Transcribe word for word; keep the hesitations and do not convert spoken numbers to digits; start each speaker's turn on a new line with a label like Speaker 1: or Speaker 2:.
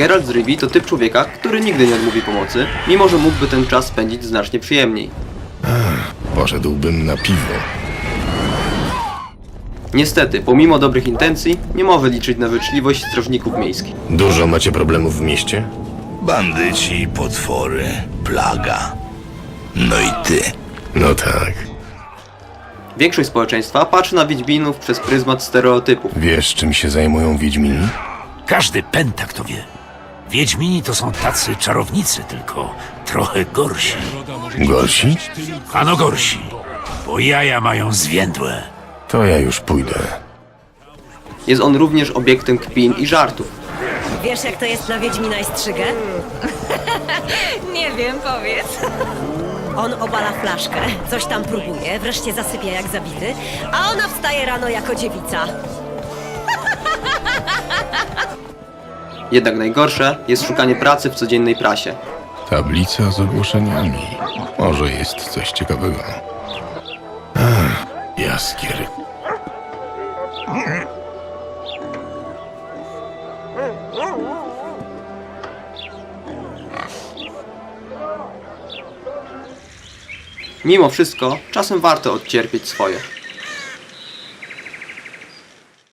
Speaker 1: Geralt z Rivii to typ człowieka, który nigdy nie odmówi pomocy, mimo że mógłby ten czas spędzić znacznie przyjemniej.
Speaker 2: Poszedłbym na piwo.
Speaker 1: Niestety, pomimo dobrych intencji, nie może liczyć na życzliwość strażników miejskich.
Speaker 2: Dużo macie problemów w mieście?
Speaker 3: Bandyci, potwory, plaga. No i ty.
Speaker 2: No tak.
Speaker 1: Większość społeczeństwa patrzy na Wiedźminów przez pryzmat stereotypów.
Speaker 2: Wiesz, czym się zajmują Wiedźmini?
Speaker 3: Każdy pętak to wie. Wiedźmini to są tacy czarownicy, tylko trochę gorsi.
Speaker 2: Gorsi?
Speaker 3: Ano gorsi, bo jaja mają zwiędłe.
Speaker 2: To ja już pójdę.
Speaker 1: Jest on również obiektem kpin i żartów.
Speaker 4: Wiesz, jak to jest na Wiedźmina i Strzygę?
Speaker 5: Nie wiem, powiedz.
Speaker 4: On obala flaszkę, coś tam próbuje, wreszcie zasypia jak zabity, a ona wstaje rano jako dziewica.
Speaker 1: Jednak najgorsze jest szukanie pracy w codziennej prasie.
Speaker 2: Tablica z ogłoszeniami. Może jest coś ciekawego. Ach, jaskier.
Speaker 1: Mimo wszystko, czasem warto odcierpieć swoje.